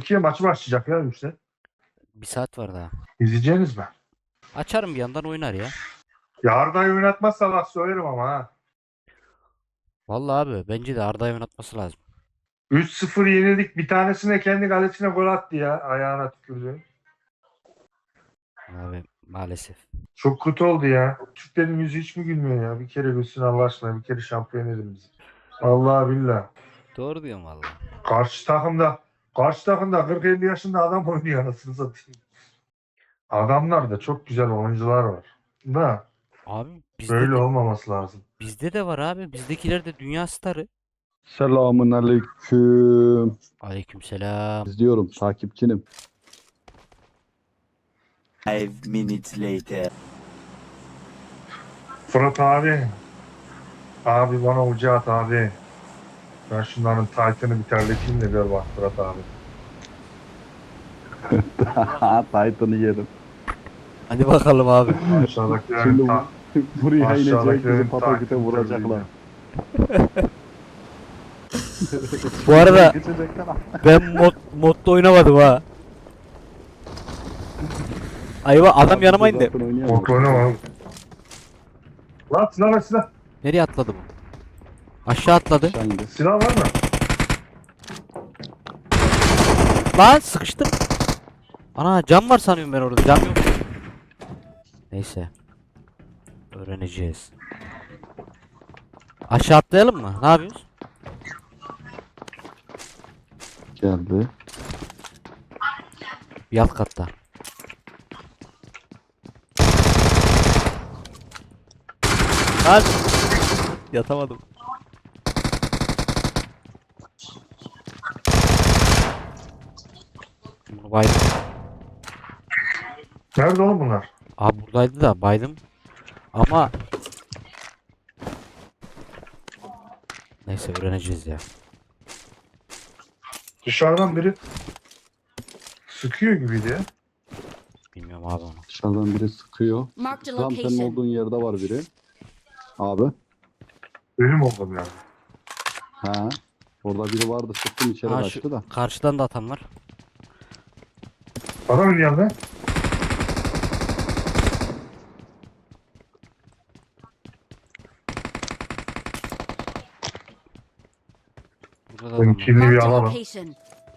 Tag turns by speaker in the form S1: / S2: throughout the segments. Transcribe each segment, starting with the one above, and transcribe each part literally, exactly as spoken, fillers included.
S1: ikiye maç başlayacak ya işte.
S2: Bir saat var daha.
S1: İzleyeceğiniz mi?
S2: Açarım bir yandan oynar ya.
S1: Ya Arda'yı oynatmazsa laf söylerim ama ha.
S2: Vallahi abi bence de Arda'yı oynatması lazım.
S1: üç sıfır yenildik. Bir tanesine kendi kalesine gol attı ya. Ayağına tükürdü.
S2: Abi maalesef.
S1: Çok kötü oldu ya. Türklerin yüzü hiç mi gülmüyor ya? Bir kere gülsün Allah aşkına. Bir kere şampiyon edin bizi. Allah billah.
S2: Doğru diyorum vallahi.
S1: Karşı takımda karşı takımda kırk elli yaşında adam oynuyor anasını satayım. Adamlar da çok güzel oyuncular var. Da
S2: Abi bizde
S1: böyle
S2: de
S1: olmaması lazım.
S2: bizde de var abi. Bizdekiler de dünya starı.
S3: Selamun aleyküm.
S2: Aleykümselam.
S3: İzliyorum, takipçinim.
S4: Five minutes later.
S1: Fırat abi. Abi bana ucu at abi. Ben şunların Titan'ı bir terleteyim de gör bak Fırat abi.
S3: Titan'ı yerim.
S2: Hadi bakalım abi.
S1: Aşağıdakilerin
S3: Şimdi
S1: ta-
S3: bu, buraya inecek,
S1: aşağıdakilerin
S3: bizi pataküte
S1: Titan'ı
S3: vuracaklar.
S2: Bu arada
S3: Geçecekler.
S2: ben mod modda oynamadım ha. Ayva adam yanıma indi.
S3: Zaten oynayamaz.
S1: Kontrol oynama. Lan silah ver silah.
S2: Nereye atladı bu? Aşağı atladı.
S3: Aşağı indi.
S1: Silah var mı?
S2: Lan sıkıştım. Ana cam var sanıyorum ben orada. Cam yok. Neyse. Öğreneceğiz. Aşağı atlayalım mı? Ne yapıyoruz?
S3: Geldi.
S2: Bir alt katta. Lan! Yatamadım. Bunu baydım.
S1: Nerede oğlum bunlar?
S2: Abi buradaydı da baydım. Ama neyse öğreneceğiz ya.
S1: Dışarıdan biri sıkıyor gibiydi ya.
S2: Bilmiyorum abi onu.
S3: Dışarıdan biri sıkıyor.
S5: Marked a
S3: Tam senin
S5: location.
S3: olduğun yerde var biri. Abi.
S1: Ölüm oldum yani.
S3: Ha. Orada biri vardı, sıktım içeri
S2: Ha,
S3: kaçtı
S2: şu
S3: da.
S2: karşıdan da atan var.
S1: Adam ölüyor lan.
S2: Burada da adam var.
S1: Kimliği bir
S5: Marked a
S1: alalım.
S5: location.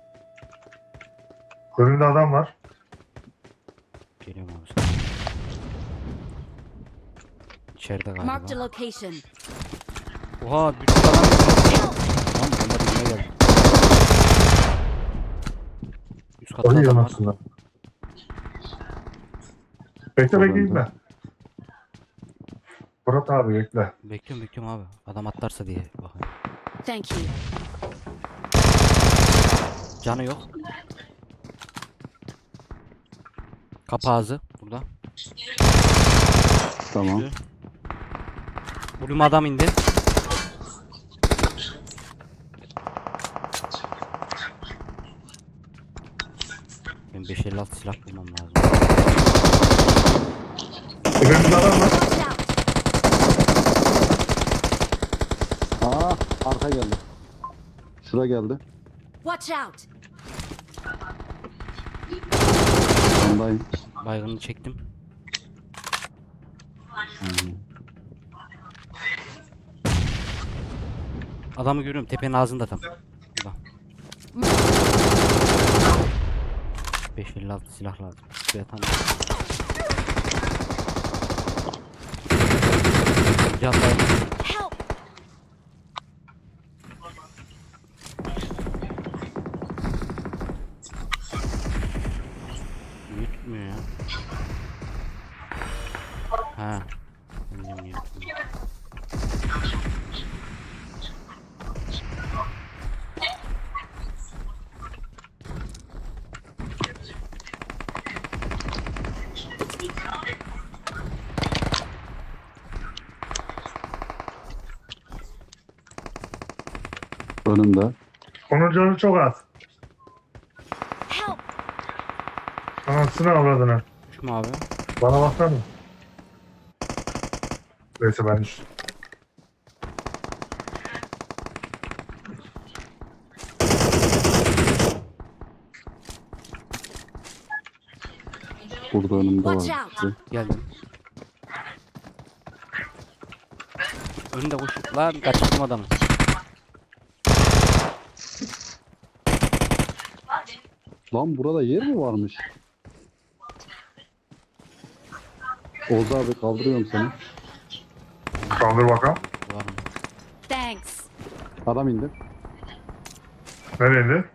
S1: Önümde adam var.
S2: Geliyorum abi sana. İçeride
S5: Marked a
S2: galiba.
S5: location.
S2: Oha bir sürü adam geliyor. Lan bomba dibine geldi. Üst katta
S1: Ayı
S2: adam var.
S1: yanasında. Bekle bekle gitme. Fırat abi bekle.
S2: Bekliyorum bekliyorum abi. Adam atlarsa diye bakayım.
S5: Thank you.
S2: Canı yok. Kapı ağzı burada.
S3: Tamam.
S2: Düştü. Buraya adam indi. Ben beş elli altı silah bulmam lazım.
S1: Önümde adam var.
S5: Watch out.
S3: Aa, arka geldi. Şura geldi.
S5: Watch out.
S3: Ondayım.
S2: Baygını çektim.
S3: Hı.
S2: Adamı görüyorum tepenin ağzında tam. Burada. beş elli altı silah lazım. Şuraya tam. Can dayan.
S5: Help.
S2: Niye tutmuyor ya? Ha. Bilmiyorum niye tutmuyor.
S3: Önümde.
S1: Onun canı çok az.
S5: Help.
S1: Anasını avradını.
S2: Şu mu abi?
S1: Bana baksana. Neyse ben düştüm.
S3: Burada önümde
S5: Watch
S3: var.
S5: out.
S3: birisi.
S2: Geldim. Önünde koşup lan kaçırdım adamı.
S3: Lan burada yer mi varmış? Oğuz abi kaldırıyorum seni.
S1: Kaldır bakalım.
S2: Var mı?
S5: Thanks.
S3: Adam indi.
S1: Nereye indi?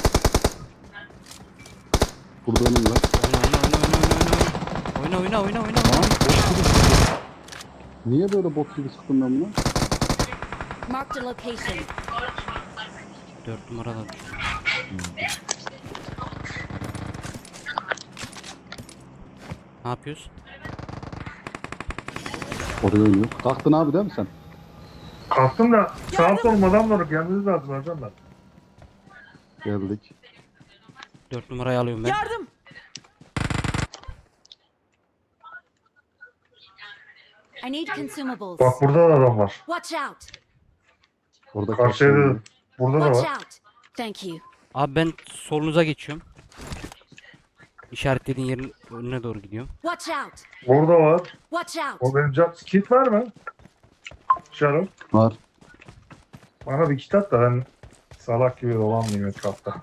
S3: Burada önümde.
S2: Oyna oyna oyna oyna oyna. Oyna oyna oyna oyna.
S3: Lan bot gibi sıktım. Niye böyle bot gibi sıktım ben bunu?
S5: Marked a location.
S2: Dört numarada düştü. Ne yapıyoruz?
S3: Oraya oynuyor. Kalktın abi değil mi sen?
S1: Kalktım da sağ solum adamları gelmeniz lazım hocam ben.
S3: Geldik.
S2: Dört numarayı alıyorum ben.
S5: Yardım. I need consumables.
S1: Bak burada da adam var.
S5: Watch out.
S3: Orada
S1: Karşıya da,
S3: kalktım.
S1: burada da
S5: Watch
S1: var.
S5: out. Thank you.
S2: Abi ben solunuza geçiyorum. İşaretlediğin yerin önüne doğru gidiyorum.
S5: Watch out.
S1: Burada var.
S5: Watch out.
S1: O benim can... Kit var mı? Şarım.
S3: Var.
S1: Bana bir kit at da ben salak gibi dolanmayayım etrafta.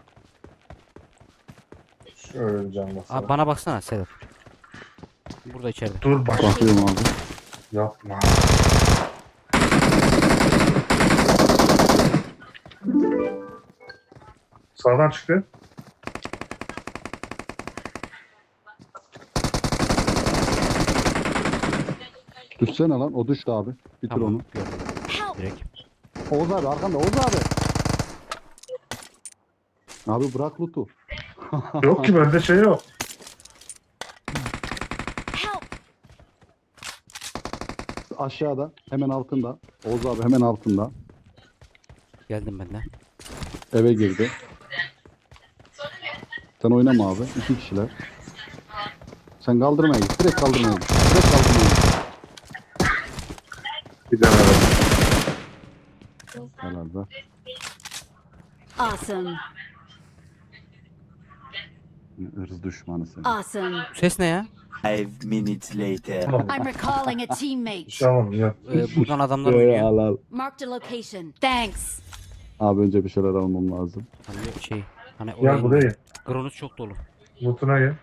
S1: Şöyle bir can
S2: Abi
S1: basalım.
S2: bana baksana Sedat. Burada içeride.
S1: Dur bak.
S3: Bakıyorum abi.
S1: Yapma. Sağdan çıktı.
S3: Düşsene lan. O düştü abi. Bitir
S2: Tamam.
S3: onu.
S2: Gördüm
S5: Help.
S2: direkt.
S3: Oğuz abi arkanda. Oğuz abi. Abi bırak loot'u.
S1: Yok ki bende şey yok.
S5: Help.
S3: Aşağıda. Hemen altında. Oğuz abi hemen altında.
S2: Geldim ben de.
S3: Eve girdi. Sen oynama abi. İki kişiler. Sen kaldırmaya git. Direkt kaldırmaya git. Direkt kaldırmaya git.
S1: Bir tane var.
S3: Helal be.
S5: Awesome.
S3: Irz düşmanı seni.
S5: Awesome.
S2: Bu ses ne ya?
S4: Five minutes later.
S1: Tamam.
S5: I'm recalling a teammate.
S1: Tamam ya.
S2: Ee, buradan adamlar
S3: Ee,
S2: oynuyor.
S3: al al.
S5: Marked a location. Thanks.
S3: Abi önce bir şeyler almam lazım.
S2: Hani şey. Hani
S1: Gel
S2: orayı.
S1: buraya.
S2: Gronus çok dolu.
S1: Lootuna gel.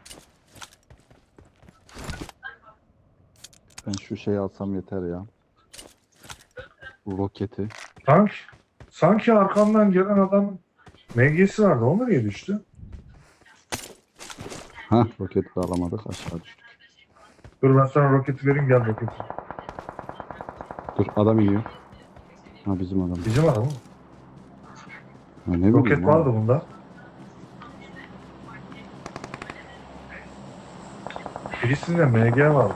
S3: Ben şu şeyi alsam yeter ya. Bu roketi.
S1: Sanki, sanki arkamdan gelen adam M G'si vardı. O nereye düştü?
S3: Hah roketi de alamadık aşağı düştük.
S1: Dur ben sana roketi vereyim gel roketi.
S3: Dur adam iniyor. Ha bizim adam.
S1: Bizim adam mı?
S3: Ha, ne bileyim
S1: Roket
S3: abi.
S1: vardı bunda. Birisinde M G vardı.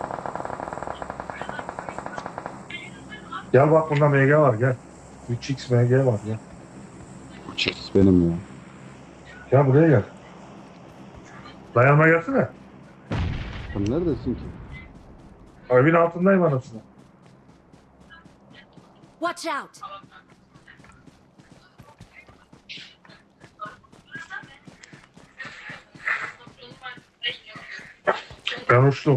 S1: Gel bak bunda M G var gel. üç x M G var gel.
S3: Bu çift benim ya.
S1: Gel buraya gel. Dayanma gelsene.
S3: Sen neredesin ki?
S1: Evin altındayım anasını.
S5: Watch out.
S1: Ben uçtum.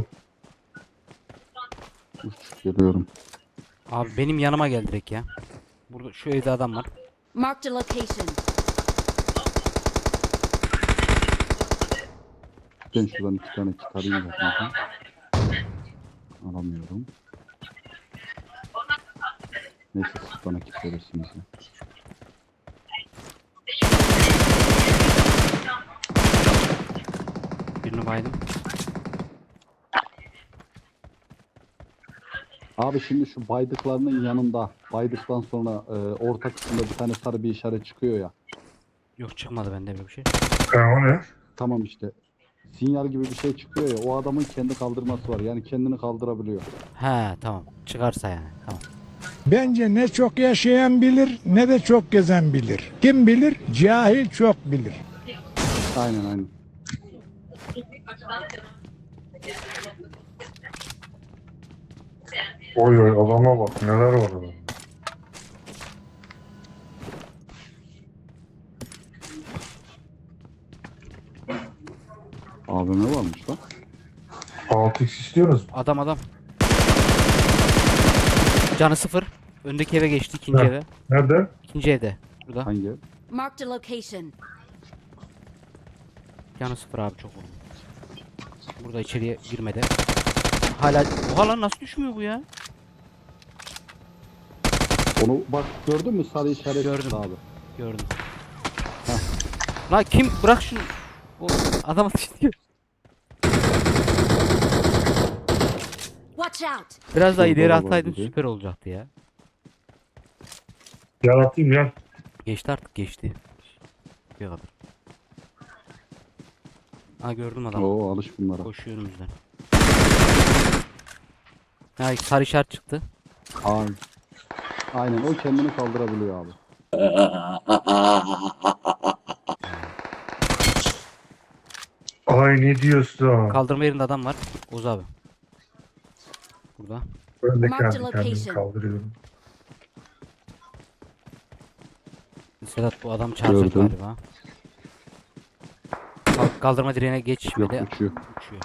S3: Uç geliyorum.
S2: Abi benim yanıma gel direkt ya. Burada şu evde adam var.
S5: Marked a location.
S3: Ben şuradan iki tane kit alayım da kanka. Alamıyorum. Neyse siz bana kit verirsiniz ya.
S2: Birini baydım.
S3: Abi şimdi şu baydıklarının yanında baydıktan sonra e, orta kısımda bir tane sarı bir işaret çıkıyor ya.
S2: Yok çıkmadı bende böyle bir şey.
S1: Ha, o ne?
S3: Tamam işte. Sinyal gibi bir şey çıkıyor ya. O adamın kendi kaldırması var. Yani kendini kaldırabiliyor.
S2: He tamam. Çıkarsa yani. Tamam.
S6: Bence ne çok yaşayan bilir ne de çok gezen bilir. Kim bilir? Cahil çok bilir.
S3: Aynen aynen.
S1: Oy oy adama bak neler var orada.
S3: A V M varmış lan.
S1: altı x istiyorsunuz mu?
S2: Adam adam. Canı sıfır. Öndeki eve geçti, ikinci
S1: Heh.
S2: eve.
S1: Nerede?
S2: İkinci evde. Burada.
S3: Hangi?
S5: Marked a location.
S2: Canı sıfır abi, çok vurdum. Burada içeriye girmedi. Hala oha lan, nasıl düşmüyor bu ya?
S3: Onu bak gördün mü sarı işaret
S2: Gördüm.
S3: çıktı abi.
S2: Gördüm. Lan kim, bırak şunu. O adam ateş ediyor.
S5: Watch out.
S2: Biraz daha
S3: Şurada
S2: ileri
S3: da
S2: atsaydın
S3: var biri.
S2: süper olacaktı ya.
S1: Gel atayım gel.
S2: Geçti artık, geçti. Bir kadar. Ha, gördüm adamı.
S3: Oo alış bunlara.
S2: Koşuyor önümüzden. Ha, sarı işaret çıktı.
S3: Aynen. Aynen o kendini kaldırabiliyor abi.
S1: Ay ne diyorsun?
S2: Kaldırma yerinde adam var. Oğuz abi. Burada.
S1: Ben de
S5: Marked
S1: kendi kendimi
S5: location.
S1: kaldırıyorum.
S2: Sedat, bu adam çağıracak
S3: Gördüm.
S2: galiba. Kal- Kaldırma direğine
S3: Yok
S2: geçmedi.
S3: uçuyor.
S2: Uçuyor.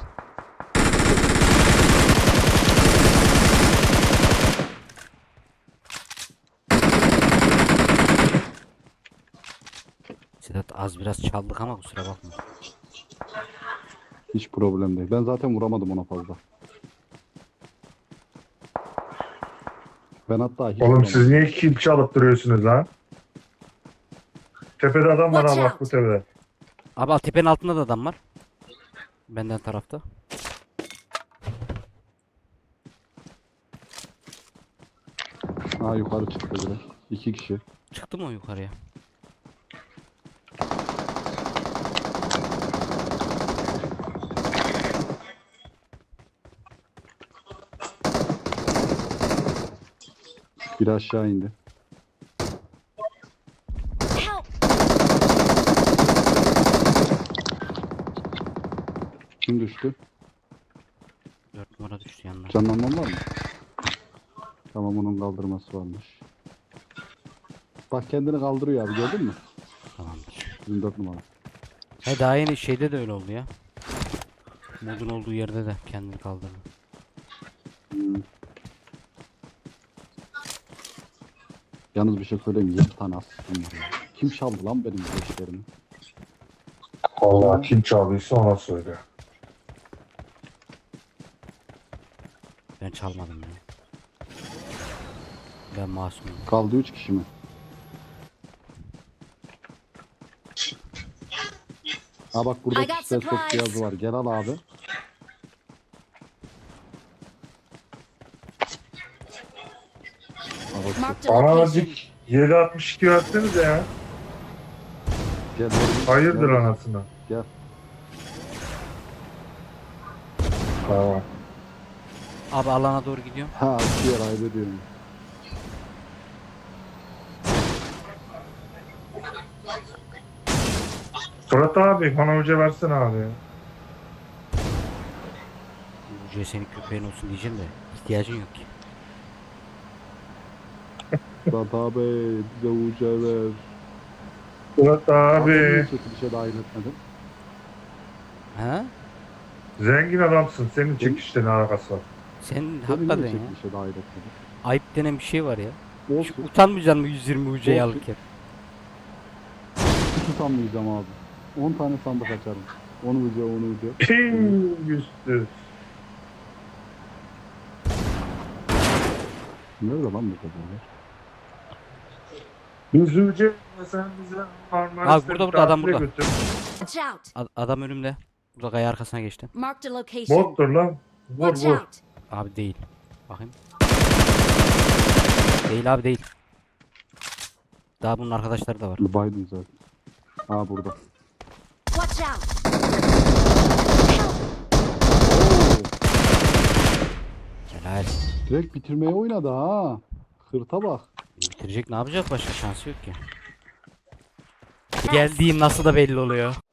S2: Sedat, az biraz çaldık ama kusura bakma.
S3: Hiç problem değil. Ben zaten vuramadım ona fazla. Ben hatta hiç
S1: Oğlum
S3: vuramadım.
S1: siz niye kill çalıp duruyorsunuz lan? Tepede adam var ha,
S5: Watch
S1: bak bu
S5: out.
S1: tepede.
S2: Abi tepenin altında da adam var. Benden tarafta.
S3: Ha yukarı çıktı biri. İki kişi.
S2: Çıktı mı o yukarıya?
S3: Biri aşağı indi.
S5: Help.
S3: Kim düştü?
S2: Dört numara düştü yanına.
S3: Canlanman var mı? Tamam onun kaldırması varmış. Bak kendini kaldırıyor abi gördün mü?
S2: Tamamdır.
S3: yirmi dört numara.
S2: He, daha yeni şeyde de öyle oldu ya. Modun olduğu yerde de kendini kaldırdı.
S3: Hmm. Yalnız bir şey söyleyeyim mi? yedi tane asistim var ya. Kim çaldı lan benim işlerimi?
S1: Allah kim çaldıysa ona söyle.
S2: Ben çalmadım ya. Ben masumum.
S3: Kaldı üç kişi mi? Ha bak burada
S5: I got
S3: kişisel çok
S5: supplies.
S3: cihazı var. Gel al abi. Ha bak,
S5: Marked a
S1: Bana
S5: location.
S1: azıcık yedi altmış iki versenize ya.
S3: gel, gel.
S1: Hayırdır
S3: Gel.
S1: anasını.
S3: Gel.
S1: Tamam.
S2: Abi alana doğru gidiyorum.
S3: Ha diğer ayrı diyorum.
S1: Fırat abi bana hoca versene abi.
S2: Ucuya senin köpeğin olsun diyeceğim de ihtiyacın yok ki.
S3: Fırat abi bize uca ver.
S1: Fırat
S3: Abi niye
S1: abi.
S3: çekilişe dahil etmedin?
S2: Ha?
S1: Zengin adamsın. Senin çekişte ne alakası var?
S2: Sen
S3: Beni
S2: hakikaten
S3: niye
S2: ya.
S3: çekilişe dahil etmedin?
S2: Ayıp denen bir şey var ya. Hiç
S3: Olsun.
S2: utanmayacaksın mı yüz yirmi ucayı
S3: Olsun.
S2: alırken?
S3: Hiç utanmayacağım abi. on tane sandık açarım. Onu uca onu uca.
S1: Ping üstü.
S3: Nerede lan bu kadar?
S1: Biz hoca sen bize Marmaris'te
S2: Abi burada, burada, adam
S1: tatile
S2: burada.
S1: götür.
S5: Watch out.
S2: Ad- adam önümde. Burada kaya arkasına geçti.
S5: Marked a location.
S1: Bottur lan. Vur
S5: Watch
S1: vur.
S5: out.
S2: Abi değil. Bakayım. Değil abi, değil. Daha bunun arkadaşları da var.
S3: Biden zaten. Ha burada.
S5: Watch out.
S2: Helal.
S3: Direkt bitirmeye oynadı ha. Hırta bak.
S2: Bitirecek, ne yapacak, başka şansı yok ki. Geldiğim nasıl da belli oluyor.